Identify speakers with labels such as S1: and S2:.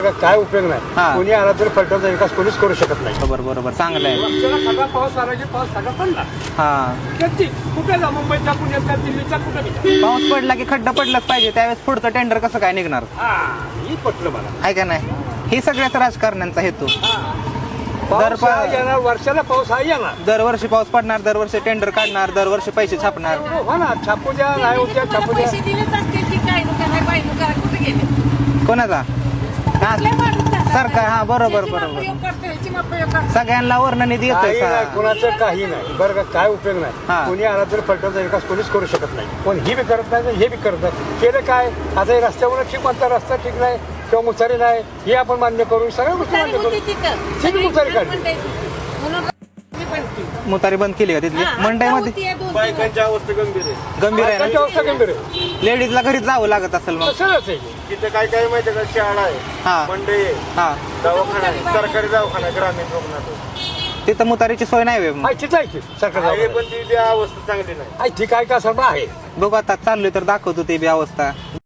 S1: काय उपयोग नाही. कोणी आला तरी फलटणचा विकास कोणीच करू शकत नाही.
S2: बरोबर बरोबर चांगलं आहे.
S1: सगळा पाऊस आला की पाऊस सगळा पडला. कुठे जा, मुंबईचा पुण्याचा दिल्लीचा कुठे
S2: पाऊस पडला की खड्डा पडलाच पाहिजे. त्यावेळेस पुढचं टेंडर कसं काय निघणार?
S1: ही पटलं मला.
S2: आहे का नाही? ही सगळ्याच राजकारण्यांचा हेतू.
S1: वर्षाला पाऊस हा येणार.
S2: दरवर्षी पाऊस पडणार, दरवर्षी टेंडर काढणार, दरवर्षी पैसे छापणार.
S1: हो ना, छापू द्या नाही उद्या छापू द्या.
S2: कोणाचा? सरकार. हा बरोबर बरोबर. सगळ्यांना वर्ण निधी येतोय.
S1: कुणाचं काही नाही बरं का. काय उपयोग नाही. कोणी आला तरी फलटणचा विकास कोणीच करू शकत नाही. पण ही बी करत नाही, हे बी करत नाही. केलं काय आता? रस्त्यावर ठीक म्हणता, रस्ता ठीक नाही किंवा मुसारी नाही हे आपण मान्य करू. सगळ्या गोष्टी मान्य करू. मुसारी काढली,
S2: मुतारी बंद केली का तिथली? मंडईमध्ये
S3: बायकांची अवस्था गंभीर आहे.
S2: गंभीर आहे
S1: त्यांची
S2: ना?
S1: अवस्था गंभीर आहे.
S2: लेडीजला घरी जावं लागत असेल मग.
S1: तसंच आहे.
S3: तिथे काय काय माहिती का, शाळा आहे, मंडई आहे, दवाखाना आहे, सरकारी दवाखाना आहे, ग्रामीण रुग्णालय.
S2: तिथं मुतारीची सोय नाही वे.
S1: ठीक आहे की सरकार
S3: आहे, पण ती अवस्था चांगली नाही.
S1: ठीक आहे का सर आहे.
S2: बघू आता चाललोय तर दाखवतो ते बी अवस्था.